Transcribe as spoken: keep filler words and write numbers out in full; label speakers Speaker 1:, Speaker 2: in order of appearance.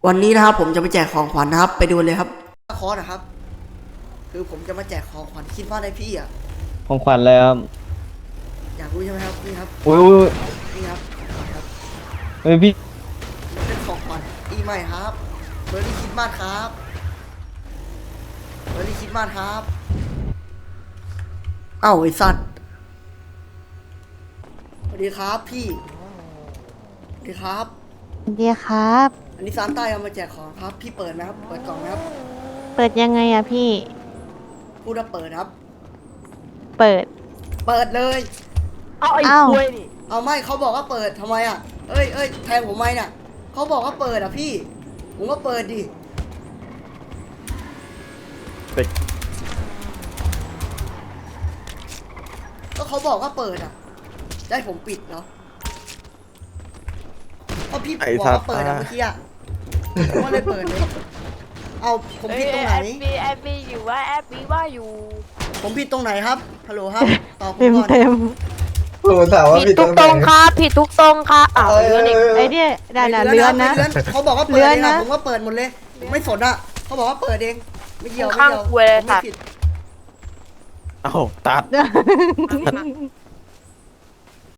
Speaker 1: วันนี้นะครับผมจะไปแจกของขวัญนะครับไปดูเลยครับคอร์สนะครับคือผมจะมาแจกของขวัญคิดว่าได้พี่อ่ะ
Speaker 2: ของขวัญเลยครับ
Speaker 1: อยากรู้ใช่ไหมครับนี่ครับ
Speaker 2: อุ้ยอุ้ย
Speaker 1: นี่ครับครับ
Speaker 2: เฮ้ยพี่
Speaker 1: เป็นของขวัญปีใหม่ครับเบอร์รี่คิดมากครับเบอร์รี่คิดมากครับเอ้าไอ้สัตว์สวัสดีครับพี่สวัสดีครับ
Speaker 3: สวัสดีครับ
Speaker 1: อันนี้ซานต้าเอามาแจกของครับพี่เปิดนะครับเปิดกล่องนะครับ
Speaker 3: เปิดยังไงอะพี่
Speaker 1: พูดว่าเปิดครับ
Speaker 3: เปิด
Speaker 1: เปิดเลย
Speaker 4: เอาไอ้
Speaker 3: อ้าว
Speaker 4: กล้วยนี่
Speaker 1: เอาไม่เขาบอกว่าเปิดทำไมอ่ะเอ้ยเอ้ยแทงผมไหมน่ะเขาบอกว่าเปิดอ่ะพี่ผมก็เปิดดิก็เขาบอกว่าเปิดอ่ะจะให้ผมปิดเนาะก็พี่บอกว่าเปิดอ่ะเมื่อกี้อ่ะผมก็เลยเปิดเลยเอาผมผิดตรงไหน
Speaker 4: แอปปี้แอปปี้อยู่ว่าแอปปี้ว่าอยู่
Speaker 1: ผมผิดตรงไหนครับฮัลโหลครับตอบผม
Speaker 3: เต็ม
Speaker 1: ก่อน
Speaker 3: เต็ม
Speaker 5: ผมถามว่า
Speaker 4: ผิดทุกตรงครับผิดทุกตรงครับอ้าว
Speaker 5: เออ
Speaker 4: เรื่องนี้
Speaker 3: ไอ้เนี่ยได้นะเลือนนะ
Speaker 1: ไม่เลื่เขาบอกว่าเปิด
Speaker 3: เลื่อน
Speaker 1: เองอะ
Speaker 3: นะ
Speaker 1: ผมก็เปิดหมดเลยผมไม่สนอ่ะเขาบอกว่าเปิดเองไม่เกี่ยวไม่
Speaker 4: ข้าง
Speaker 1: เกี่ยว
Speaker 4: กล้วย
Speaker 1: ผมไม่
Speaker 4: ค่ะ
Speaker 1: ผิด
Speaker 6: เอ้าตัด